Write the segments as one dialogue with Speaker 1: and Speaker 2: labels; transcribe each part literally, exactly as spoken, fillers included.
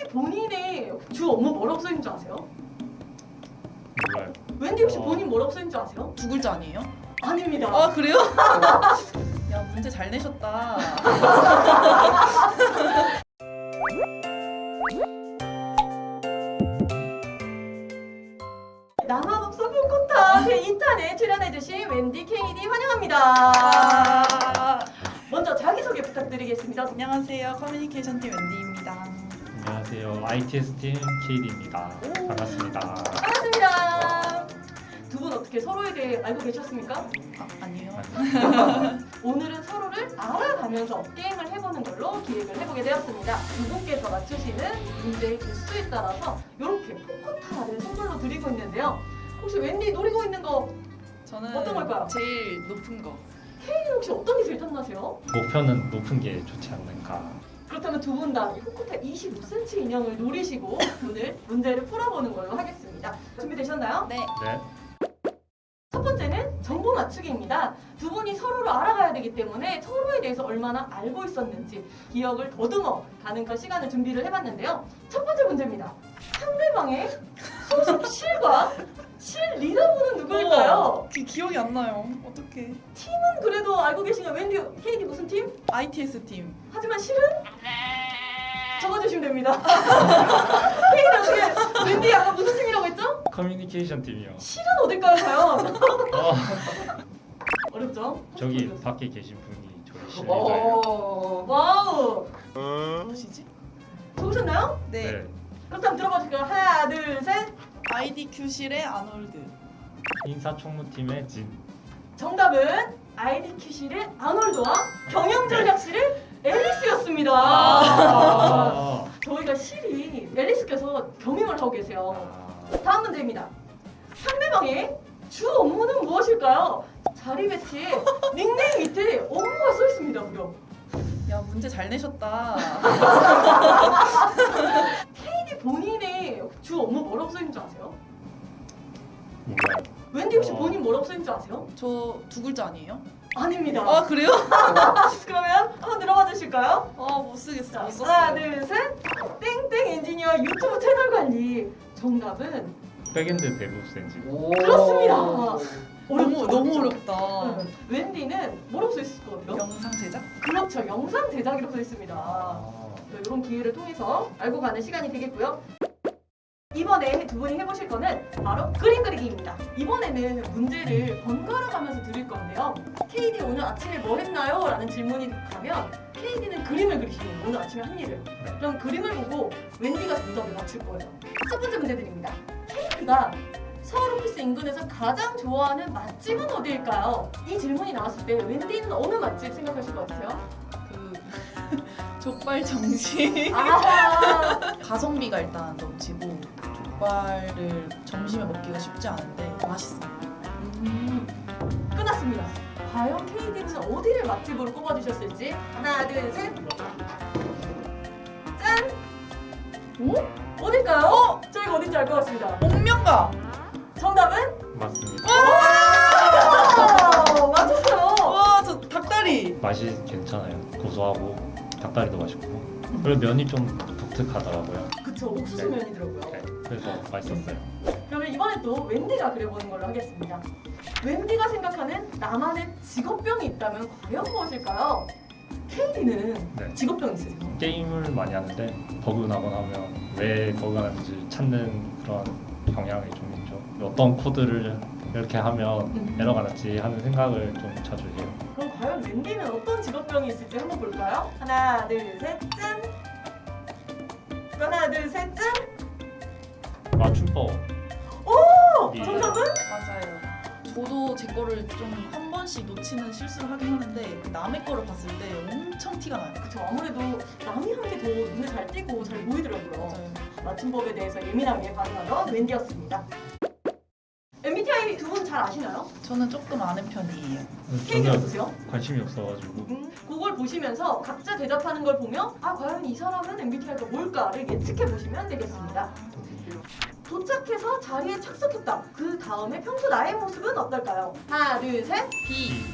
Speaker 1: 본인의 주 업무 뭐라고 써있는 줄 아세요?
Speaker 2: 몰라요.
Speaker 1: 웬디 혹시
Speaker 2: 어.
Speaker 1: 본인 뭐라고 써있는 줄 아세요?
Speaker 3: 두 글자 아니에요?
Speaker 1: 아닙니다.
Speaker 3: 아 그래요? 야 문제 잘 내셨다.
Speaker 1: 남아독서 풋코타 제이 탄에 출연해주신 웬디 케이디 환영합니다.
Speaker 3: 아,
Speaker 1: 먼저 자기소개 부탁드리겠습니다.
Speaker 3: 안녕하세요. 커뮤니케이션 팀 웬디입니다.
Speaker 2: 안녕하세요. 아이티에스 팀 케이디입니다.
Speaker 1: 오.
Speaker 2: 반갑습니다.
Speaker 1: 반갑습니다. 두 분 어떻게 서로에 대해 알고 계셨습니까?
Speaker 3: 아 아니에요.
Speaker 1: 오늘은 서로를 알아가면서 게임을 해보는 걸로 기획을 해보게 되었습니다. 두 분께서 맞추시는 문제의 개수에 따라서 이렇게 풋코타를 선물로 드리고 있는데요. 혹시 웬디 노리고 있는 거
Speaker 3: 저는
Speaker 1: 어떤 걸까요?
Speaker 3: 제일 높은 거.
Speaker 1: 케이는 혹시 어떤 게 제일 탐나세요?
Speaker 2: 목표는 높은 게 좋지 않는가.
Speaker 1: 그렇다면 두 분 다 풋코타 이십오 센티미터 인형을 노리시고 오늘 문제를 풀어보는 걸로 하겠습니다. 준비되셨나요?
Speaker 3: 네.
Speaker 2: 네.
Speaker 1: 첫 번째는 정보 맞추기입니다. 두 분이 서로를 알아가야 되기 때문에 서로에 대해서 얼마나 알고 있었는지 기억을 더듬어 가는 그 시간을 준비를 해봤는데요. 첫 번째 문제입니다. 상대방의 소속 실과 실 리더분은 누구일까요?
Speaker 3: 어, 기, 기억이 안 나요. 어떡해.
Speaker 1: 팀은 그래도 알고 계신가요? 웬디, 케이디 무슨 팀?
Speaker 3: 아이티에스 팀.
Speaker 1: 하지만 실은? 적어주시면 됩니다. 케이디 어떻게, 웬디 아까 무슨 팀이라고 했죠?
Speaker 2: 커뮤니케이션 팀이요.
Speaker 1: 실은 어딜까요, 과연?
Speaker 2: 어,
Speaker 1: 어렵죠?
Speaker 2: 저기 밖에 계신 분이 저희
Speaker 1: 어.
Speaker 2: 실리더예요.
Speaker 1: 오, 와우!
Speaker 3: 무엇이지?
Speaker 1: 적으셨나요?
Speaker 3: 네.
Speaker 2: 네.
Speaker 1: 그렇다면 들어봐 주실까요? 하나, 둘, 셋.
Speaker 3: 아이디큐실의 아놀드.
Speaker 2: 인사총무팀의 진.
Speaker 1: 정답은 아이디큐실의 아놀드와 경영전략실의 앨리스였습니다.
Speaker 2: 아.
Speaker 1: 저희가 실이 앨리스께서 겸임을 하고 계세요.
Speaker 2: 아.
Speaker 1: 다음 문제입니다. 상대방의 주 업무는 무엇일까요? 자리 배치에 닉네임 밑에 업무가 써 있습니다. 무려.
Speaker 3: 야 문제 잘 내셨다.
Speaker 1: 케이디 본인의 주 업무 뭐라고 써 있는 줄 아세요?
Speaker 2: 몰라요.
Speaker 1: 웬디 혹시
Speaker 2: 어.
Speaker 1: 본인 뭐라고 써 있는 줄 아세요?
Speaker 3: 저 두 글자 아니에요?
Speaker 1: 아닙니다.
Speaker 3: 아 그래요?
Speaker 1: 그러면 한번 들어봐 주실까요?
Speaker 3: 아못 쓰겠어.
Speaker 1: 자,
Speaker 3: 못 썼어요.
Speaker 1: 하나, 둘, 셋. 땡땡 엔지니어 유튜브 채널 관리. 정답은
Speaker 2: 백엔드 데브 센지.
Speaker 1: 그렇습니다.
Speaker 3: 너무
Speaker 1: 어렵죠,
Speaker 3: 너무
Speaker 1: 어렵죠?
Speaker 3: 어렵다.
Speaker 1: 네. 웬디는 뭐라고 써 있을 거예요?
Speaker 3: 영상 제작?
Speaker 1: 그렇죠. 영상 제작이라고 써 있습니다.
Speaker 2: 아.
Speaker 1: 네, 이런 기회를 통해서 알고 가는 시간이 되겠고요. 이번에 두 분이 해보실 거는 바로 그림 그리기입니다. 이번에는 문제를 번갈아 가면서 드릴 건데요. 케이디 오늘 아침에 뭐 했나요? 라는 질문이 가면 케이디는 그림을 그리시는 거예요. 오늘 아침에 한 일을.
Speaker 2: 네.
Speaker 1: 그럼 그림을 보고 웬디가 정답을 맞출 거예요. 첫 번째 문제 드립니다. 케이디가 서울 오피스 인근에서 가장 좋아하는 맛집은 어디일까요? 이 질문이 나왔을 때 웬디는 어느 맛집 생각하실 것 같으세요?
Speaker 3: 그 족발 정식.
Speaker 1: 아,
Speaker 3: 가성비가 일단 넘치고 족발을 점심에 먹기가 쉽지 않은데 맛있습니다.
Speaker 1: 음, 끝났습니다. 과연 케이디는 어디를 맛집으로 꼽아주셨을지 하나, 둘, 셋. 짠! 오? 어딜까요? 어? 저희가 어딘지 알 것 같습니다.
Speaker 3: 옥명가.
Speaker 1: 정답은?
Speaker 2: 맞습니다.
Speaker 1: 아, 맞췄어요.
Speaker 3: 와 저 닭다리.
Speaker 2: 맛이 괜찮아요. 고소하고 닭다리도 맛있고. 그리고 면이 좀 독특하더라고요.
Speaker 1: 그쵸, 옥수수면이더라고요.
Speaker 2: 네. 그래서 맛있었어요.
Speaker 1: 그러면 이번에 또 웬디가 그려보는 걸로 하겠습니다. 웬디가 생각하는 나만의 직업병이 있다면 과연 무엇일까요? 케이디는
Speaker 2: 네.
Speaker 1: 직업병 있으세요?
Speaker 2: 게임을 많이 하는데 버그 나거나 하면 왜 버그가 나는지 찾는 그런 경향이 좀 있죠. 어떤 코드를 이렇게 하면
Speaker 1: 음.
Speaker 2: 에러가 났지 하는 생각을 좀 자주 해요.
Speaker 1: 그럼 과연 웬디는 어떤 직업병이 있을지 한번 볼까요? 하나, 둘, 셋, 짠! 하나, 둘, 셋, 짠!
Speaker 2: 맞춤법.
Speaker 1: 오!
Speaker 2: 예.
Speaker 1: 정답은?
Speaker 3: 맞아요. 저도 제 거를 좀 한 번씩 놓치는 실수를 하긴 하는데 남의 거를 봤을 때 엄청 티가 나요.
Speaker 1: 그쵸, 아무래도 남이 한 게 더 눈에 잘 띄고 잘 보이더라고요.
Speaker 3: 맞아요.
Speaker 1: 맞춤법에 대해서 예민하게 반응하던 웬디였습니다. 엠비티아이 두 분 잘 아시나요?
Speaker 3: 저는 조금 아는 편이에요.
Speaker 1: 케이디
Speaker 2: 전혀
Speaker 1: 어떠세요?
Speaker 2: 관심이 없어가지고
Speaker 1: 음, 그걸 보시면서 각자 대답하는 걸 보면 아 과연 이 사람은 엠비티아이가 뭘까를 예측해 보시면 되겠습니다. 도착해서 자리에 착석했다. 그 다음에 평소 나의 모습은 어떨까요? 하나, 둘, 셋.
Speaker 3: B.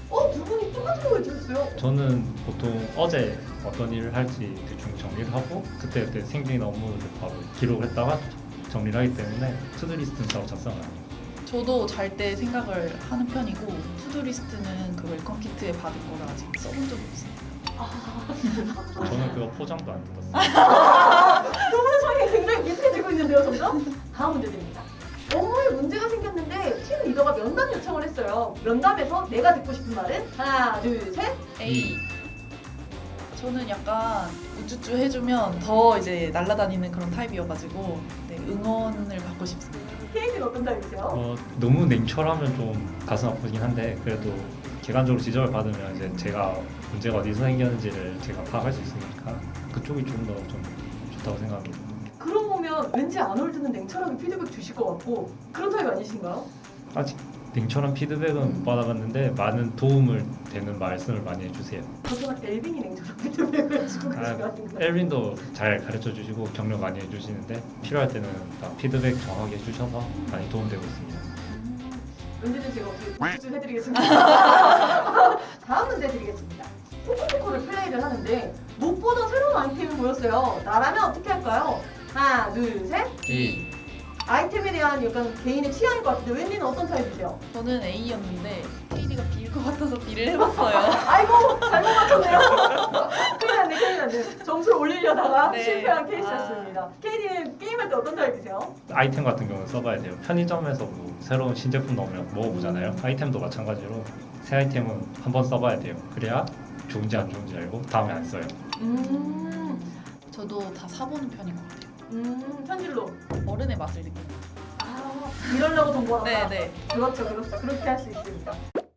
Speaker 1: 어, 두 분이 똑같은 거 해주셨어요.
Speaker 2: 저는 보통 어제 어떤 일을 할지 대충 정리를 하고 그때그때 생긴 업무를 바로 기록을 했다가 정리를 하기 때문에 투두리스트는 따로 작성을 안 해요.
Speaker 3: 저도 잘 때 생각을 하는 편이고 투두리스트는 그 웰컴 키트에 받은 거를 아직 써본 적이 없어요.
Speaker 2: 저는 그거 포장도 안 뜯었어요.
Speaker 1: 두 분의 성향이 굉장히 비슷해지고 있는데요, 점점? 다음 문제 드립니다. 업무에 문제가 생겼는데 팀 리더가 면담 요청을 했어요. 면담에서 내가 듣고 싶은 말은 하나, 둘, 셋.
Speaker 3: A. 저는 약간 우쭈쭈 해주면 더 이제 날아다니는 그런 타입이어가지고 네, 응원을 받고 싶습니다.
Speaker 1: 케이크는 어떤 타입이세요?
Speaker 2: 어, 너무 냉철하면 좀 가슴 아프긴 한데 그래도 객관적으로 지적을 받으면 이제 제가 문제가 어디서 생겼는지를 제가 파악할 수 있으니까 그쪽이 좀 더 좀 좋다고 생각합니다.
Speaker 1: 그러고 보면 왠지 안 올 때는 냉철하게 피드백 주실 것 같고 그런 타입 아니신가요?
Speaker 2: 아직 냉철한 피드백은 못 받아봤는데 많은 도움을 되는 말씀을 많이 해주세요.
Speaker 1: 하지만 엘빈이 냉철한 피드백을 주고 계신 거
Speaker 2: 아,
Speaker 1: 아닌가요?
Speaker 2: 엘빈도 잘 가르쳐 주시고 격려 많이 해주시는데 필요할 때는 다 피드백 정확하게 해주셔서 많이 도움되고 있습니다.
Speaker 1: 언제든 제가 어떻게 우쭈쭈 해드리겠습니다. 다음 문제 드리겠습니다. 포커피커를 플레이를 하는데 못 보던 새로운 아이템이 보였어요. 나라면 어떻게 할까요? 하나, 둘, 셋.
Speaker 2: A.
Speaker 1: 아이템에 대한 약간 개인의 취향일 것 같은데 웬디는 어떤 타입이세요?
Speaker 3: 저는 A였는데 케이디가 B일 것 같아서 B를 해봤어요.
Speaker 1: 아이고 잘못 맞췄네요. 큰일 났네 큰일 났네. 점수를 올리려다가
Speaker 3: 네.
Speaker 1: 실패한 케이스였습니다. 케이디는 게임할 때 어떤 타입이세요?
Speaker 2: 아이템 같은 경우는 써봐야 돼요. 편의점에서 뭐 새로운 신제품 나오면 먹어보잖아요. 아이템도 마찬가지로 새 아이템은 한번 써봐야 돼요. 그래야 좋은지 안 좋은지 알고 다음에 안 써요.
Speaker 1: 음,
Speaker 3: 저도 다 사보는 편인 것 같아요.
Speaker 1: 음 현질로.
Speaker 3: 어른의 맛을 느낍니다.
Speaker 1: 아, 이러려고 돈 벌었다.
Speaker 3: 네네.
Speaker 1: 그렇죠, 그렇죠. 그렇게 할 수 있습니다.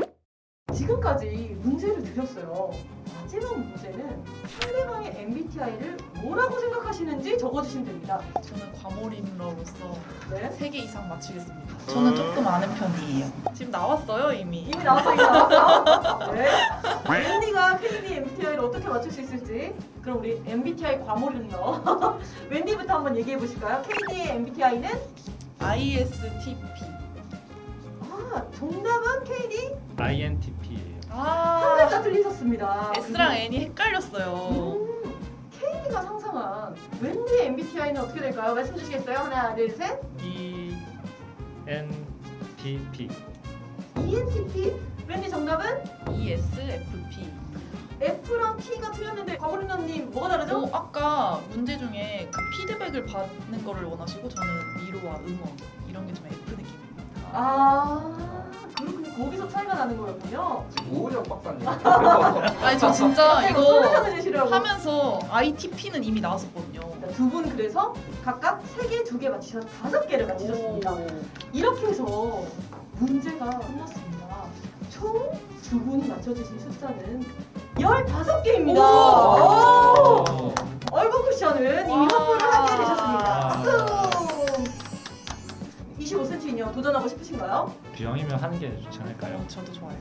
Speaker 1: 지금까지 문제를 드렸어요. 마지막 문제는 상대방의 엠비티아이를 뭐라고 생각하시는지 적어주시면 됩니다.
Speaker 3: 저는 과몰입러로서
Speaker 1: 네.
Speaker 3: 세 개 이상 맞추겠습니다. 저는 조금 아는 편이에요. 지금 나왔어요 이미.
Speaker 1: 이미 나왔어, 이미 나왔어. 네. 웬디가 케이디 엠비티아이를 어떻게 맞출 수 있을지. 그럼 우리 엠비티아이 과몰입러 웬디부터 한번 얘기해 보실까요? 케이디의 엠비티아이는
Speaker 3: 아이에스티피.
Speaker 1: 아, 정답은 케이디
Speaker 2: 아이엔티피예요.
Speaker 1: 한
Speaker 3: 아
Speaker 1: 글자 틀리셨습니다.
Speaker 3: S랑 N이 헷갈렸어요.
Speaker 1: 음, 케이디가 상상한 웬디의 엠비티아이는 어떻게 될까요? 말씀 주시겠어요? 하나, 둘, 셋.
Speaker 2: E N T P.
Speaker 1: 이엔티피. 웬디 정답은
Speaker 3: 이에스에프피.
Speaker 1: F랑 T가 틀렸는데 과몰입러님 뭐가 다르죠?
Speaker 3: 어, 아까 문제 중에 그 피드백을 받는 거를 원하시고 저는 위로와 응원 이런 게 좀 F 느낌입니다.
Speaker 1: 아, 그렇군요. 거기서 차이가 나는 거였군요.
Speaker 4: 오은영 박사님.
Speaker 3: 아니 저 진짜
Speaker 1: 갑자기 뭐
Speaker 3: 이거
Speaker 1: 솔루션을 주시려고.
Speaker 3: 하면서 아이티피는 이미 나왔었거든요.
Speaker 1: 두 분 그래서 각각 세 개, 두 개 맞히셔서 다섯 개를 맞히셨습니다.
Speaker 3: 오.
Speaker 1: 이렇게 해서 문제가 끝났습니다. 총 두 분이 맞춰주신 숫자는 열다섯 개입니다.
Speaker 3: 오.
Speaker 2: 오.
Speaker 1: 얼굴 쿠션은 이미
Speaker 3: 와.
Speaker 1: 확보를 하게 되셨습니다.
Speaker 2: 와.
Speaker 1: 박수! 이십오 센티미터 인형 도전하고 싶으신가요?
Speaker 2: 비형이면 하는 게 좋지 않을까요?
Speaker 3: 어, 저도 좋아요.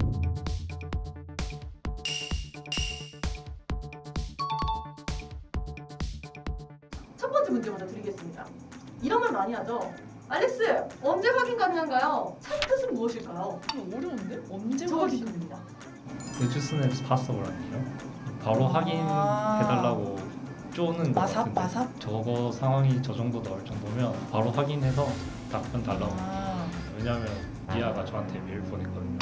Speaker 1: 첫 번째 문제 먼저 드리겠습니다. 이런 말 많이 하죠. 알렉스, 언제 확인 가능한가요? 참 뜻은 무엇일까요?
Speaker 3: 이거 어려운데? 언제
Speaker 1: 적어주시면
Speaker 3: 확인?
Speaker 1: 됩니다.
Speaker 2: As soon as possible 아니에요? 바로
Speaker 3: 아.
Speaker 2: 확인해달라고 쪼는 거
Speaker 3: 마삽
Speaker 2: 같은데
Speaker 3: 마삽?
Speaker 2: 저거 상황이 저 정도 나올 정도면 바로 확인해서 답변 달라고.
Speaker 3: 아,
Speaker 2: 왜냐면 미아가 저한테 메일 보냈거든요.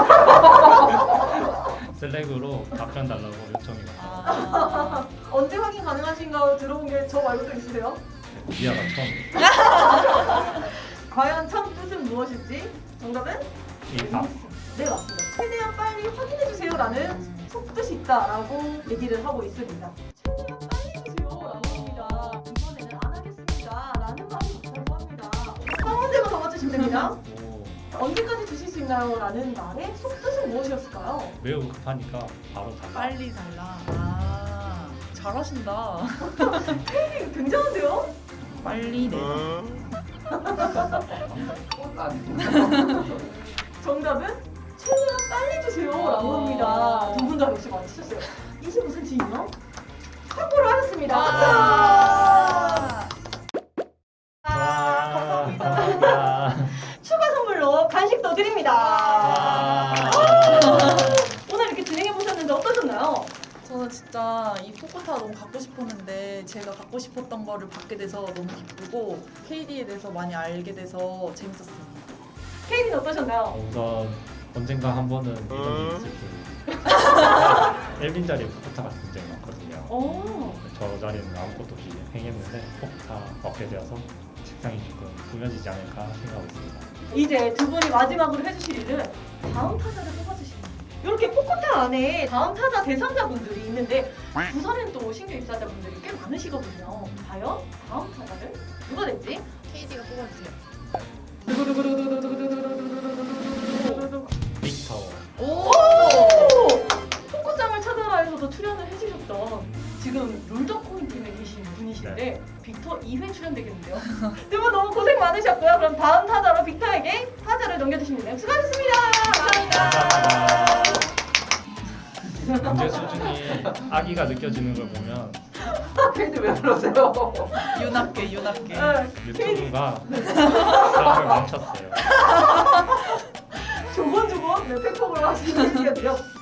Speaker 2: 슬랙으로 답변 달라고 요청이 왔어요.
Speaker 3: 아.
Speaker 1: 언제 확인 가능하신가요? 들어본 게 저 말고 또 있으세요?
Speaker 2: 미아가 처음
Speaker 1: 과연 참 뜻은 무엇일지? 정답은?
Speaker 2: 이 답.
Speaker 1: 네, 맞습니다. 최대한 빨리 확인해주세요라는 속뜻이 있다라고 얘기를 하고 있습니다. 최대한 빨리 해주세요라고 합니다. 이번에는 안 하겠습니다. 라는 말이 맞다고 합니다. 한 문제만 더 맞추시면 됩니다.
Speaker 2: 오,
Speaker 1: 언제까지 주실 수 있나요? 라는 말의 속뜻은 무엇이었을까요?
Speaker 2: 매우 급하니까 바로 달라.
Speaker 3: 빨리 달라. 아, 잘하신다.
Speaker 1: 네, 굉장한데요?
Speaker 3: 빨리 내.
Speaker 1: 정답은 최대한 빨리 주세요라고
Speaker 3: 어.
Speaker 1: 합니다. 두 분 다 역시 맞추셨어요. 이십오 센티미터 확보를 하셨습니다.
Speaker 3: 아.
Speaker 2: 와, 감사합니다.
Speaker 1: 추가 선물로 간식도 드립니다.
Speaker 2: 와.
Speaker 3: 너무 갖고 싶었는데 제가 갖고 싶었던 거를 받게 돼서 너무 기쁘고 케이디에 대해서 많이 알게 돼서 재밌었습니다.
Speaker 1: 케이디는 어떠셨나요?
Speaker 2: 어, 우선 언젠가 한 번은 이런 일이 있을 거예요. 일 빈 자리에 포크타가 굉장히 많거든요.
Speaker 1: 오.
Speaker 2: 저 자리는 아무것도 없이 행했는데 포크타 얻게 되어서 책상이 조금 꾸며지지 않을까 생각하고 있습니다.
Speaker 1: 이제 두 분이 마지막으로 해주실 일은 다음 타자를 뽑아주시는 거예요. 이렇게 포커타 안에 다음 타자 대상자분들이 있는데 부산엔 또 신규 입사자분들이 꽤 많으시거든요. 과연 다음 타자를 누가 될지?
Speaker 3: 케이디가 뽑아주세요.
Speaker 2: 빅터.
Speaker 3: 오!
Speaker 1: 포커장을 찾아라에서도 출연을 해주셨던 지금 롤더코인 팀에 계신 분이신데 빅터 이 회 출연되겠는데요. 두 분 너무 고생 많으셨고요. 그럼 다음 타자로 빅터에게 타자를 넘겨주시면 돼요. 수고하셨습니다. 감사합니다.
Speaker 2: 문제 수준이 아기가 느껴지는 걸 보면
Speaker 4: 케이디 왜 그러세요?
Speaker 3: 윤학계 윤학계.
Speaker 2: 유튜브가 사람을 멈췄어요.
Speaker 1: 조곤조곤 네, 팩폭을 하시는 케이디였고요.